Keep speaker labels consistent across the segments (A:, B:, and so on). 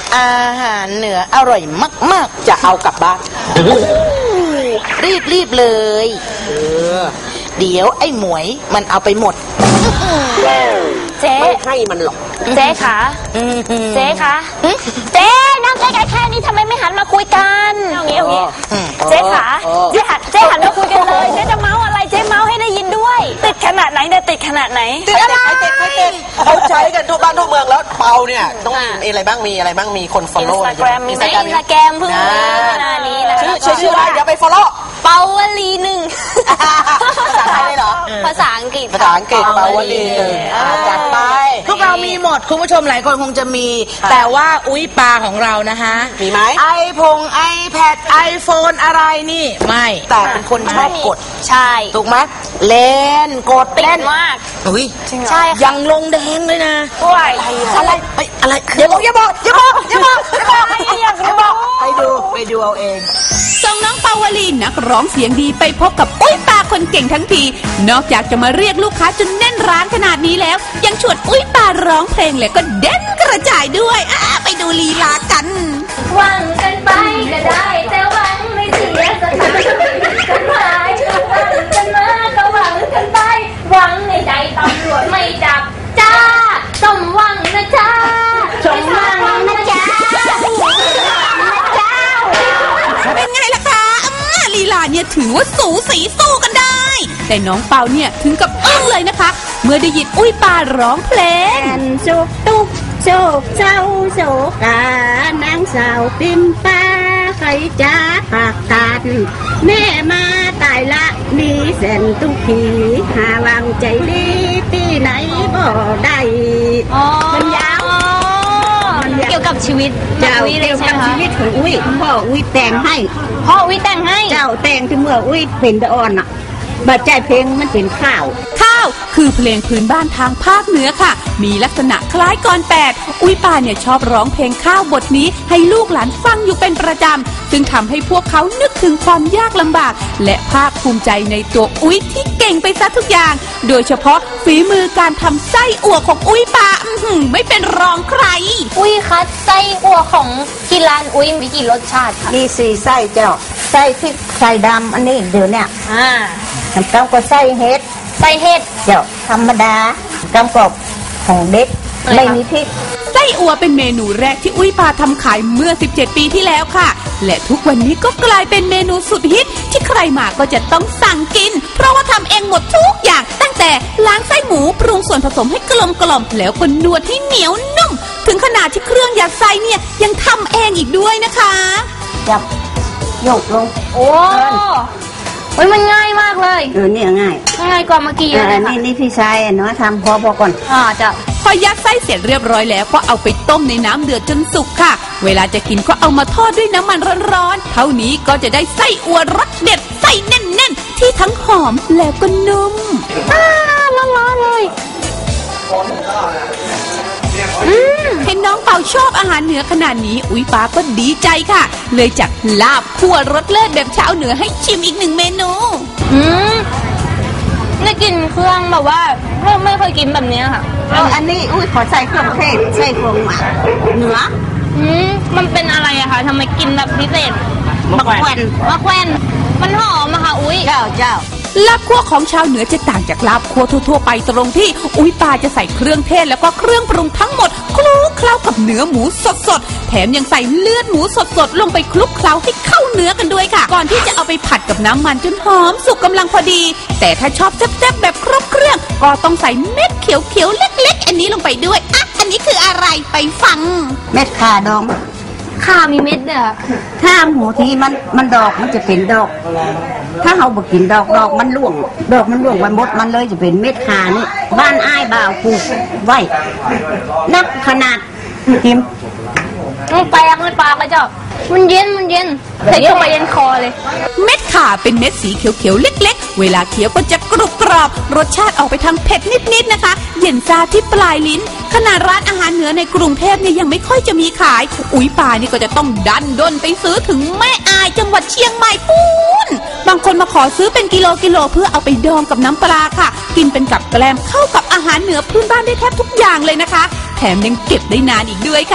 A: อาหารเหนืออร่อยมากๆ
B: จะเอากลับบ้าน
A: รีบเลยเดี๋ยวไอ้หมวยมันเอาไปหมด
C: เจ๊
B: ไม่ให้มันหรอก
C: เจ๊คะเจ๊คะเจ๊นั่งใกล้ๆแค่นี้ทำไมไม่หันมาคุยกันเอางี้เจ๊ขาเจ๊หันมาคุยกันเลยเจ๊จะเมาอะไรเจ๊เมาให้ได้ยินด้วยติดขนาดไหนเนี่ยติดขนาดไหน
B: ติดอะไรเขาใช้กันทั่วบ้านทั่วเมืองแล้วเปาเนี่ยต้องมีอะไรบ้างมีคน follow
C: อินสตาแกรมเพิ่งมีขนาดนี้นะ
B: ชื่ออะไรเดี๋ยวไป follow
C: เปาวลีหนึ่ง
B: ภาษาไทยเลยเหรอ
C: ภาษาอังกฤษ
B: เปาวลีหนึ่งจัดไป
A: พวกเรามีหมดคุณผู้ชมหลายคนคงจะมีแต่ว่าอุ้ยปลาของเรานะคะ
B: มีไหม
A: iPad iPhone อะไรนี่ไม่แต่เป็นคนชอบกด
C: ใช่
A: ถูกไหมเล่นกด
C: เล่นมาก
A: อุ้ย
C: ใช่
A: ยังลงแดงเลยนะ
C: อะไร
A: อย่าบอกไปดูเอาเอง
D: ส่งน้องปาวลีนักร้องเสียงดีไปพบกับอุ้ยปาคนเก่งทั้งทีนอกจากจะมาเรียกลูกค้าจนแน่นร้านขนาดนี้แล้วยังชวนอุ้ยปาร้องเพลงและก็เด่นกระจายด้วยไปดูลีลากัน
C: หวังกันไปก็ได้แต่หวังไม่เสียสักครั้งกันไปหวังกันมาก็หวังกันไปหวังในใจตำรวจไม่จับจ้าสมหวังนะจ้าสมหวังนะจ้า
D: เป็นไงล่ะคะลีลาเนี่ยถือว่าสูสีสู้กันได้แต่น้องเปาเนี่ยถึงกับอึ้งเลยนะคะเมื่อได้ยินอุ้ยปาร้องเพลง
E: โชคตุกโชคเจ้าโชคกานางสาวปิมป้าใครจ้าปากกันแม่มาตายละมีแสนทุกทีหาวางใจดีที่ไหนบ่ได้มันยาว
C: เกี่ยวกับชีวิต
E: เกี่ยวกับชีวิตของอุ้ยพ่ออุ้ยแต่งให้เจ้าแต่งที่เมื่ออุ้ยเป็นตะอ่อนอ่ะบาดใจเพลงมันเป็นข้าว
D: คือเพลงพื้นบ้านทางภาคเหนือค่ะมีลักษณะคล้ายกล8อุ้ยปาเนี่ยชอบร้องเพลงข้าวบทนี้ให้ลูกหลานฟังอยู่เป็นประจำซึ่งทำให้พวกเขานึกถึงความยากลำบากและภาคภูมิใจในตัวอุ้ยที่เก่งไปซะทุกอย่างโดยเฉพาะฝีมือการทำไส้อั่วของอุ้ยปาไม่เป็นรองใคร
C: อุ้ยคะไส้อั่วของที่ร้านอุ้ยมีกี่รสชาติคะ
E: มี4ไส้เจ้าไส้พริกไส้ดำอันนี้เดี๋ยวเนี่ยน้ำเต้าก็ไส้เฮ็ดเจ้าธรรมดากำกบของเด็กไม่มีพริก
D: ไส้อั่วเป็นเมนูแรกที่อุ้ยปาทำขายเมื่อ17 ปีที่แล้วค่ะและทุกวันนี้ก็กลายเป็นเมนูสุดฮิตที่ใครมาก็จะต้องสั่งกินเพราะว่าทำเองหมดทุกอย่างตั้งแต่ล้างไส้หมูปรุงส่วนผสมให้กลมแล้วก็นวดให้เหนียวนุ่มถึงขนาดที่เครื่องยัดไส้เนี่ยยังทำเองอีกด้วยนะคะ
E: จับยกลง
C: โอ้มันง่ายมากเลย
E: เนี่ยง่
C: ายกว่าเมื่อกี้เลย
E: ค่ะนี่พี่ชายเนาะทำพอก่อน
C: จะ
D: พอยัดไส้เสร็จเรียบร้อยแล้วก็เอาไปต้มในน้ำเดือดจนสุกค่ะเวลาจะกินก็เอามาทอดด้วยน้ำมันร้อนๆเท่านี้ก็จะได้ไส้อั่วรสเด็ดไส้แน่นๆที่ทั้งหอมแล้วก็นุ่ม
C: ร้อนๆเลย
D: เห็นน้องเปาชอบอาหารเหนือขนาดนี้อุ้ยป้าก็ดีใจค่ะเลยจัดลาบคั่วรสเลิศแบบชาวเหนือให้ชิมอีก1 เมนู
C: ได้กินเครื่องแบบว่าไม่เคยกินแบบนี้ค่ะ
E: อันนี้อุ้ยขอใส่เครื่องเทศใส่เครื่องหมักเหนือ
C: มันเป็นอะไรอะคะทำไมกินแบบพิเศษ
E: มะแขวน
C: มันหอมอะค่ะอุ้ย
E: เจ้า
D: ลาบคั่วของชาวเหนือจะต่างจากลาบคั่วทั่วไปตรงที่อุ้ยปาจะใส่เครื่องเทศแล้วก็เครื่องปรุงทั้งหมดคลุกเคล้ากับเนื้อหมูสดแถมยังใส่เลือดหมูสดลงไปคลุกเคล้าให้เข้าเนื้อกันด้วยค่ะก่อนที่จะเอาไปผัดกับน้ำมันจนหอมสุกกำลังพอดีแต่ถ้าชอบแซ่บๆแบบครบเครื่องก็ต้องใส่เม็ดเขียวๆเล็กๆอันนี้ลงไปด้วยอันนี้คืออะไรไปฟัง
E: เม็ดข่าดอง
C: ข่ามีเม็ดเนี่ย
E: ถ้าหมูที่มันดอกมันจะเป็นดอกถ้าเราบอกกินดอกมันร่วงมันหมดมันเลยจะเป็นเม็ดข่านี่บ้านอ้ายบ่าวปลูกไว้นักขนาดกิม
C: แปลงเลยปลากระจอกมันเย็นใส่เข้าไปเย็นคอเลย
D: เม็ดข่าเป็นเม็ดสีเขียวๆเล็กๆเวลาเคี้ยวก็จะกรุบกรอบรสชาติออกไปทางเผ็ดนิดๆนะคะเย็นซาที่ปลายลิ้นขนาดร้านอาหารเหนือในกรุงเทพเนี่ยยังไม่ค่อยจะมีขายอุ้ยป่านี่ก็จะต้องดันด้นไปซื้อถึงแม่อายจังหวัดเชียงใหม่ปูนบางคนมาขอซื้อเป็นกิโลเพื่อเอาไปดองกับน้ำปลาค่ะกินเป็นกับแกล้มเข้ากับอาหารเหนือพื้นบ้านได้แทบทุกอย่างเลยนะคะแถมยังเก็บได้นานอีกด้วยค่ะ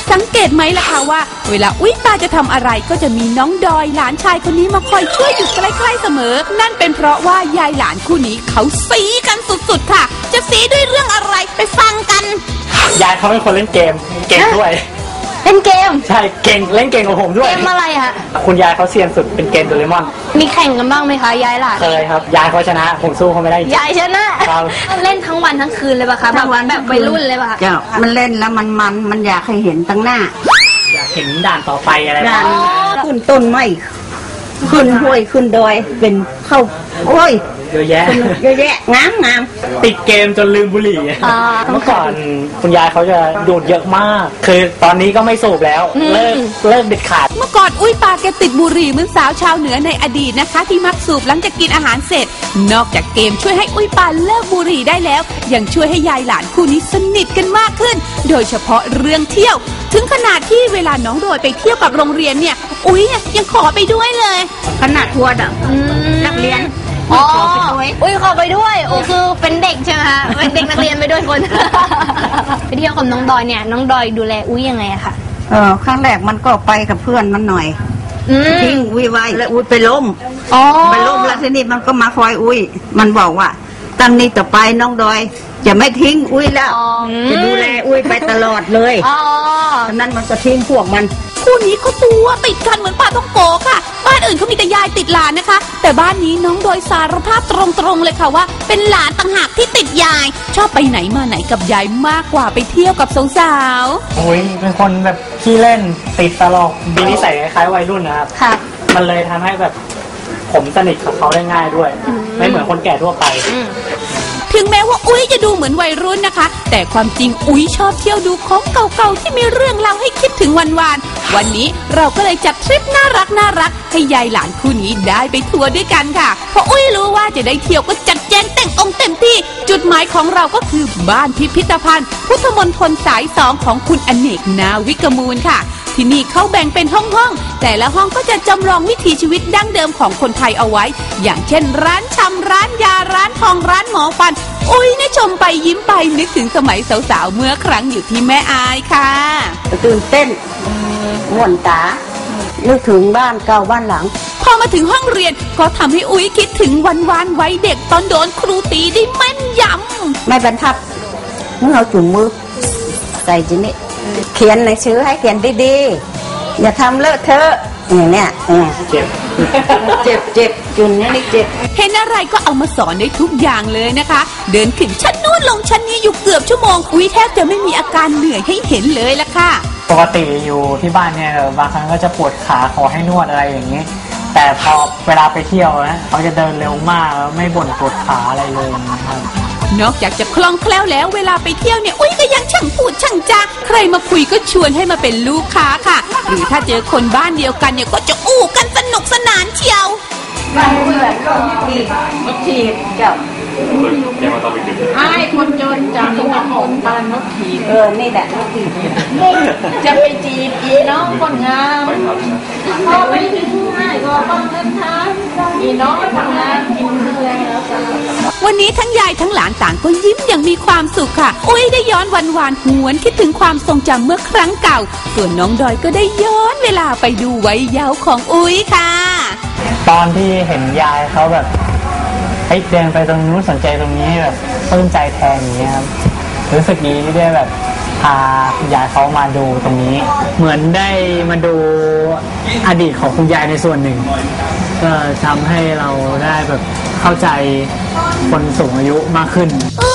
D: สังเกตไหมล่ะคะว่าเวลาอุ้ยปาจะทำอะไรก็จะมีน้องดอยหลานชายคนนี้มาคอยช่วยอยู่ใกล้ๆเสมอนั่นเป็นเพราะว่ายายหลานคู่นี้เขาสีกันสุดๆค่ะจะสีด้วยเรื่องอะไรไปฟังกัน
F: ยายเขาเป็นคนเล่นเกมเก่งด้วย
C: เล่นเกม
F: ใช่เก่งเล่นเก่งกว่าผมด้วย
C: เกมอะไรฮะ
F: คุณยายเขาเซียนสุดเป็นเกมโดเรมอน
C: มีแข่งกันบ้างไหมคะยายหลาน
F: เคยครับยายเขาชนะผมสู้เขาไม่ได้
C: ยายชนะครับเล่นทั้งวันทั้งคืนเลยป่ะคะทั้งวันแบบวัยรุ่นเลยป่ะคะ
E: มันเล่นแล้วมันอยากให้เห็นตั้งหน้า
F: อยากเห็นด่านต่อไปอะไร
E: ด่านขึ้นต้นไม้ขึ้นห้วยขึ้นดอยเป็นเข้าโอ้ย
F: เยอะแยะ
E: งาม
F: ติดเกมจนลืมบุหรี่เมื่อก่อนคุณยายเขาจะดูดเยอะมากคือตอนนี้ก็ไม่สูบแล้วเลิกเด็ดขาด
D: เมื่อก่อนอุ้ยปาแกติดบุหรี่เหมือนสาวชาวเหนือในอดีตนะคะที่มักสูบหลังจากกินอาหารเสร็จนอกจากเกมช่วยให้อุ้ยปาเลิกบุหรี่ได้แล้วยังช่วยให้ยายหลานคู่นี้สนิทกันมากขึ้นโดยเฉพาะเรื่องเที่ยวถึงขนาดที่เวลาน้องโดยไปเที่ยวกับโรงเรียนเนี่ยอุ้ยยังขอไปด้วยเลย
E: ขนาดทัวร์นักเรียน
C: ขอไปด้วยอุ้ยขอไปด้วยโอ้คือเป็นเด็กใช่ไหมคะเป็นเด็กนักเรียนไปด้วยคนไปเที่ยวกับน้องดอยเนี่ยน้องดอยดูแลอุ้ยยังไงอะคะ
E: ครั้งแรกมันก็ไปกับเพื่อนมันหน่อยทิ้งอุ้ยไว้แล้วอุ้ยไปล้มแล้วทีนี้มันก็มาคอยอุ้ยมันบอกว่าตั้งนี้ต่อไปน้องดอยจะไม่ทิ้งอุ้ยแล้วจะดูแลอุ้ยไปตลอดเลยฉะนั้นมันจะทิ้งพวกมัน
D: คู่นี้ก็ตัวติดกันเหมือนปลาท่องโกค่ะบ้านอื่นเขามีแต่ยายติดหลานนะคะแต่บ้านนี้น้องโดยสารภาพตรงๆเลยค่ะว่าเป็นหลานต่างหากที่ติดยายชอบไปไหนมาไหนกับยายมากกว่าไปเที่ยวกับสาว
F: ๆโอ้ยเป็นคนแบบขี้เล่นติดตลกมีนิสัยคล้ายๆวัยรุ่นนะครับมันเลยทำให้แบบผมสนิทกับเขาได้ง่ายด้วยไม่เหมือนคนแก่ทั่วไป
D: ถึงแม้ว่าอุ้ยจะดูเหมือนวัยรุ่นนะคะแต่ความจริงอุ้ยชอบเที่ยวดูของเก่าๆที่มีเรื่องเล่าให้คิดถึงวันนี้เราก็เลยจัดทริปน่ารักให้ยายหลานคู่นี้ได้ไปทัวร์ด้วยกันค่ะเพราะอุ้ยรู้ว่าจะได้เที่ยวก็จัดแจงแต่งองค์เต็มที่จุดหมายของเราก็คือบ้านพิพิธภัณฑ์พุทธมณฑลสาย 2ของคุณอเนกนาวิกมูลค่ะที่นี่เขาแบ่งเป็นห้องแต่ละห้องก็จะจำลองวิถีชีวิตดั้งเดิมของคนไทยเอาไว้อย่างเช่นร้านชำร้านยาร้านทองร้านหมอฟันอุ้ยเนี่ยชมไปยิ้มไปนึกถึงสมัยสาวๆเมื่อครั้งอยู่ที่แม่อายค่ะ
E: ตื่นเต้นม่วนตานึกถึงบ้านเก่าบ้านหลัง
D: พอมาถึงห้องเรียนก็ทำให้อุ้ยคิดถึงวันไว้เด็กตอนโดนครูตีได้แม่นยำ
E: ไม่บรรทัดมึงเอาจุ่มมือใส่จีนี่เขียนหนังสือให้เขียนดีๆอย่าทำเลอะเทอะอย่างเนี้ยเจ็บจุนนี่เจ็บ
D: เห็นอะไรก็เอามาสอนได้ทุกอย่างเลยนะคะเดินขึ้นชั้นนู้นลงชั้นนี้อยู่เกือบชั่วโมงอุ้ยแทบจะไม่มีอาการเหนื่อยให้เห็นเลยละค่ะ
F: ปกติอยู่ที่บ้านเนี่ยบางครั้งก็จะปวดขาขอให้นวดอะไรอย่างนี้แต่พอเวลาไปเที่ยวนะเขาจะเดินเร็วมากไม่บ่นปวดขาอะไรเลยนะครับ
D: นอกจากจะคล่องแคล่วแล้วเวลาไปเที่ยวเนี่ยอุ้ยก็ยังช่างพูดช่างจาใครมาคุยก็ชวนให้มาเป็นลูกค้าค่ะหรือถ้าเจอคนบ้านเดียวกันเนี่ยก็จะอู้กันสนุกสนานเชียว
E: บ้านเพื่อนนกขีดเจ้าไอ้คนจนจากจังหวัดของบ้านนกขีดนี่แหละนกขีดจะไปจีบอีน้องคนงามพอไปถึงง่ายก็ต้องเดินทางอีน้องทำงานกินเพื่อนแล้ว
D: วันนี้ทั้งยายทั้งหลานต่างก็ยิ้มอย่างมีความสุขค่ะอุ้ยได้ย้อนวันหวนคิดถึงความทรงจำเมื่อครั้งเก่าส่วนน้องดอยก็ได้ย้อนเวลาไปดูวัยเยาว์ของอุ้ยค่ะ
F: ตอนที่เห็นยายเขาแบบให้เดินไปตรงนู้นสนใจตรงนี้แบบปลื้มใจแทนอย่างเงี้ยครับรู้สึกดีที่ได้แบบพายายเขามาดูตรงนี้เหมือนได้มาดูอดีตของคุณยายในส่วนหนึ่งก็ทำให้เราได้แบบเข้าใจคนสูงอายุมากขึ้น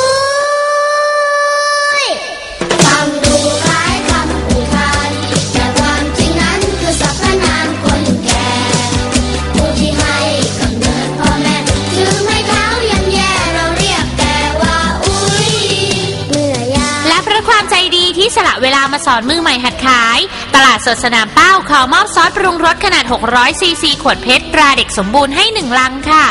G: ที่สละเวลามาสอนมือใหม่หัดขายตลาดสดสนามเป้าขอมอบซอสปรุงรสขนาด600ซีซีขวดเพชรตราเด็กสมบูรณ์ให้1 ลังค่ะ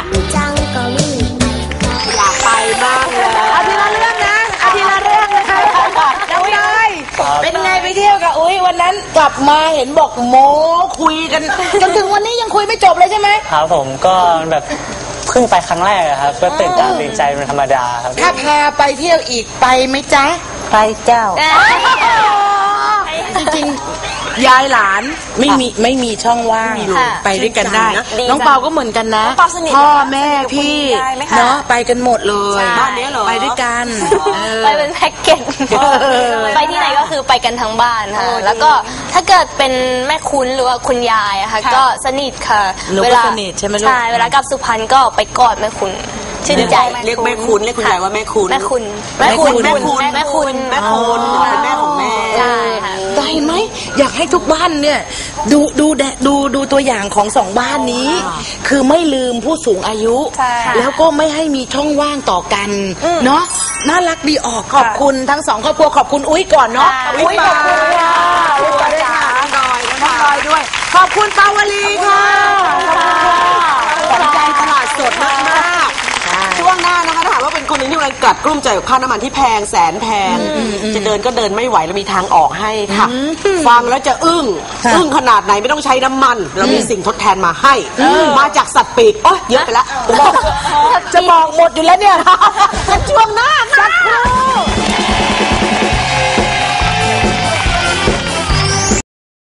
B: อยากไปบ้างเลย
A: เอาทีละเรื่องนะเอาทีละเรื่องนะคะน้องดอยเป็นไงไปเที่ยวกับอุ้ยวันนั้นกลับมาเห็นบอกโม้คุยกันจนถึงวันนี้ยังคุยไม่จบเลยใช่ไหม
F: ครับผมก็แบบเพิ่งไปครั้งแรกครับก็ตื่นตาตื่นใจเป็นธรรมดาครับ
A: ถ้าพาไปเที่ยวอีกไปไหมจ๊ะ
E: ไปเจ้า
A: จริงๆยายหลานไม่มีช่องว่างไปด้วยกันได้น้องเปาก็เหมือนกันนะพ่อแม่พี่เนาะไปกันหมดเลยบ้านนี้เหรอไปด้วยกัน
H: ไปเป็นแพ็กเกจไปที่ไหนก็คือไปกันทั้งบ้านค่ะแล้วก็ถ้าเกิดเป็นแม่คุ้นหรือว่าคุณยายอะค่ะก็สนิทค่ะเวลาสนิทใช่ไหมลูกใช่เวลากลับสุพรรณก็ไปกอดแม่คุ้นชื่นใจ
B: เรียกแม่คุณเรียกคุณยายว่าแม่คุณ
H: แม่คุณ
B: แม่คุณแม่คุณ
H: แม่คุณ
B: แม่คุณเป็นแม่ของแม่
H: ใช่ค่ะ
A: แต่เห็นไหมอยากให้ทุกบ้านเนี่ยดูตัวอย่างของสองบ้านนี้ คือไม่ลืมผู้สูงอายุแล้วก็ไม่ให้มีช่องว่างต่อกันเนาะน่ารักดีออกขอบคุณทั้งสองครอบครัวขอบคุณอุ้ยก่อนเนาะอุ้ยขอบคุณค่ะอุ้ยด้วยค่ะน้อยด้วยขอบคุณปาวลีค่ะ
B: ขอบใจตลาดสดมากๆช่วงหน้านะคะถ้าหากว่าเป็นคนที่กำลังกัดกลุ้มใจกับค่าน้ำมันที่แพงแสนแพงจะเดินก็เดินไม่ไหวเรามีทางออกให้ค่ะฟังแล้วจะอึ้งขนาดไหนไม่ต้องใช้น้ำมันเรามีสิ่งทดแทนมาให้มาจากสัตว์ปีกโอ๊ยเยอะไปละจะบอกหมดอยู่แล้วเนี่ยช่วงหน้าสักครู่